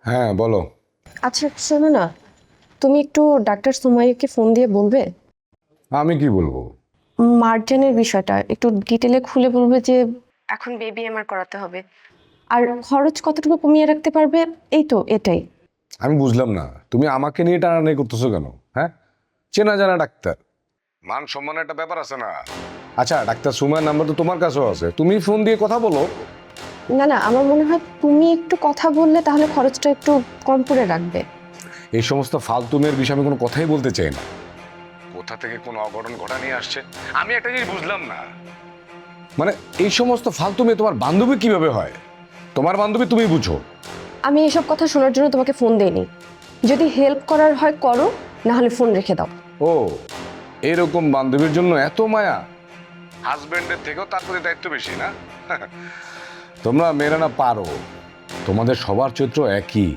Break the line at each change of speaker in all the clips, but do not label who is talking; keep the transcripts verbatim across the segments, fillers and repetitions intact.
হ্যাঁ বলো।
আচ্ছা শোনো না, তুমি একটু ডাক্তার সুমাইয়াকে ফোন দিয়ে বলবে
আমি কি বলবো?
মার্জানের বিষয়টা একটু ডিটেলে খুলে বলবে যে এখন বেবি এমআর করাতে হবে, আর খরচ কতটুকু কমিয়ে রাখতে পারবে, এই তো এটাই।
আমি বুঝলাম না, তুমি আমাকে নিয়ে টানাটানি করতেছো কেন? হ্যাঁ, চেনা জানা ডাক্তার, মান সম্মানের একটা ব্যাপার আছে না? আচ্ছা, ডাক্তার সুমাইয়ের নাম্বার তো তোমার কাছেও আছে, তুমি ফোন দিয়ে কথা বলো।
না না, আমার মনে হয় তুমি একটু কথা বললে তাহলে খরচটা একটু কম করে রাখবে।
এই সমস্ত ফালতু মেয়ের বিষয়ে আমি কোনো কথাই বলতে চাই না। কোথা থেকে কোনো অঘটন ঘটা নিয়ে আসছে আমি একটা জিনিস বুঝলাম না। মানে এই সমস্ত ফালতু মেয়ে তোমার বান্ধবী কিভাবে হয়? তোমার বান্ধবী তুমি বুঝো।
আমি এসব কথা শোনার জন্য তোমাকে ফোন দেইনি। যদি হেল্প করার হয় করো, না হলে ফোন রেখে দাও।
ও, এরকম বান্ধবীর জন্য এত মায়া? হাজবেন্ডের থেকেও তার প্রতি দায়িত্ব বেশি না? তোমরা মেয়েরা না পারো, তোমাদের সবার চরিত্র একই।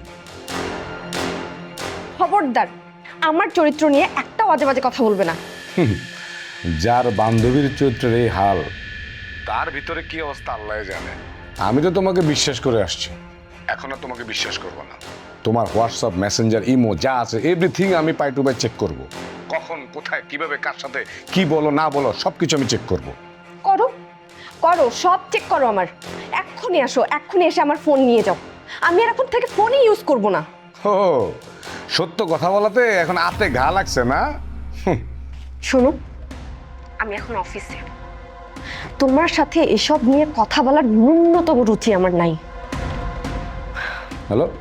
খবরদার, আমার চরিত্র নিয়ে একটা বাজে বাজে কথা বলবে না।
যার বান্ধবীর চরিত্রের এই হাল, তার ভিতরে কি অবস্থা আল্লাহ জানে। আমি তো তোমাকে বিশ্বাস করে আসছি, এখন আর তোমাকে বিশ্বাস করবো না। তোমার হোয়াটসঅ্যাপ, মেসেঞ্জার, ইমো যা আছে এভরিথিং আমি পাই টু পাই চেক করব। কখন, কোথায়, কিভাবে, কার সাথে কি বলো না বলো সবকিছু আমি চেক করব।
করো করো, সব চেক করো আমার। এক্ষুনি আসো, এক্ষুনি এসে আমার ফোন নিয়ে যাও। আমি আর এখন থেকে ফোনই ইউজ করব না।
ও, সত্য কথা বলাতে এখন আতে ঘা লাগছে না?
শোনো, আমি এখন অফিসে, তোমার সাথে এসব নিয়ে কথা বলার ন্যূনতম রুচি আমার নাই।
হ্যালো,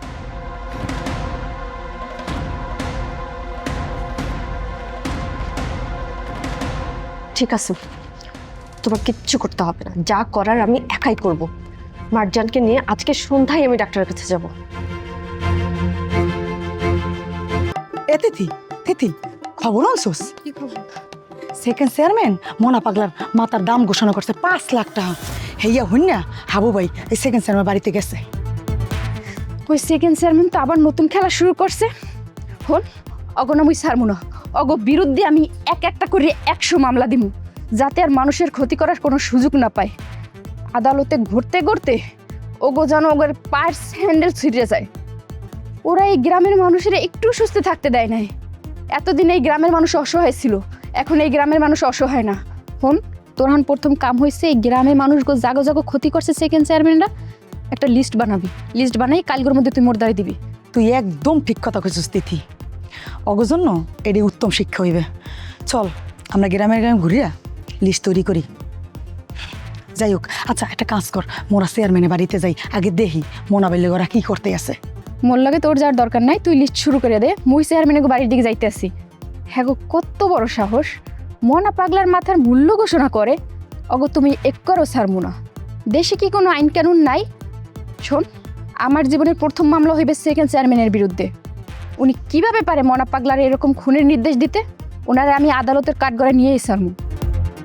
ঠিক আছে, তোমার কিচ্ছু করতে হবে না, যা করার আমি একাই করব। মার্জানকে নিয়ে আজকে সন্ধ্যায় আমি ডাক্তারের কাছে যাব।
এ তিথি, তিথি খবর আনছোস? সেকেন্ড চেয়ারম্যান মনা পাগলার মাতার দাম ঘোষণা করছে পাঁচ লাখ টাকা। হেইয়া হইন না হাবু ভাই এই সেকেন্ড চেয়ারম্যান বাড়িতে গেছে।
ওই সেকেন্ড চেয়ারম্যান তো আবার নতুন খেলা শুরু করছে। হন অগনামুই ছাড়মু না, অগ বিরুদ্ধে আমি এক একটা করে একশো মামলা দিমু, যাতে আর মানুষের ক্ষতি করার কোনো সুযোগ না পায়। আদালতে ঘুরতে ঘুরতে ওগো যেন ওগের পার্স হ্যান্ডেল ছিঁড়ে যায়। ওরা এই গ্রামের মানুষের একটু সুস্থ থাকতে দেয় নাই। এতদিন এই গ্রামের মানুষ অসহায় ছিল, এখন এই গ্রামের মানুষ অসহায় না। হন তোরহান প্রথম কাম হয়েছে এই গ্রামের মানুষগুলো জাগো জাগো ক্ষতি করছে সেকেন্ড চেয়ারম্যানরা, একটা লিস্ট বানাবি, লিস্ট বানাই কালগুলোর মধ্যে তুই মোরদারি দিবি।
তুই একদম ঠিক কথা কইছিস তিথি, অগো জন্য এটি উত্তম শিক্ষা হইবে। চল আমরা গ্রামের গ্রামে ঘুরিয়া লিস্ট তৈরি করি। যাই হোক, আচ্ছা একটা কাজ কর, মোরা চেয়ারম্যানের বাড়িতে যাই, আগে দেখি মোনা বাইলে ওরা কি করতে আছে।
মোর লাগে তোর যাওয়ার দরকার নাই, তুই লিস্ট শুরু করে দে। মুই চেয়ারম্যানের বাড়ির দিকে যাইতে আসি। হ্যাঁ গো, কত বড় সাহস, মনা পাগলার মাথার মূল্য ঘোষণা করে। অগো তুমি এক করো ছাড়মু না। দেশে কি কোনো আইন কানুন নাই? শোন, আমার জীবনের প্রথম মামলা হইবে সেকেন্ড চেয়ারম্যানের বিরুদ্ধে। উনি কিভাবে পারে মনা পাগলার এরকম খুনের নির্দেশ দিতে? ওনারে আমি আদালতের কাঠগড়ায় নিয়েই ছাড়মু।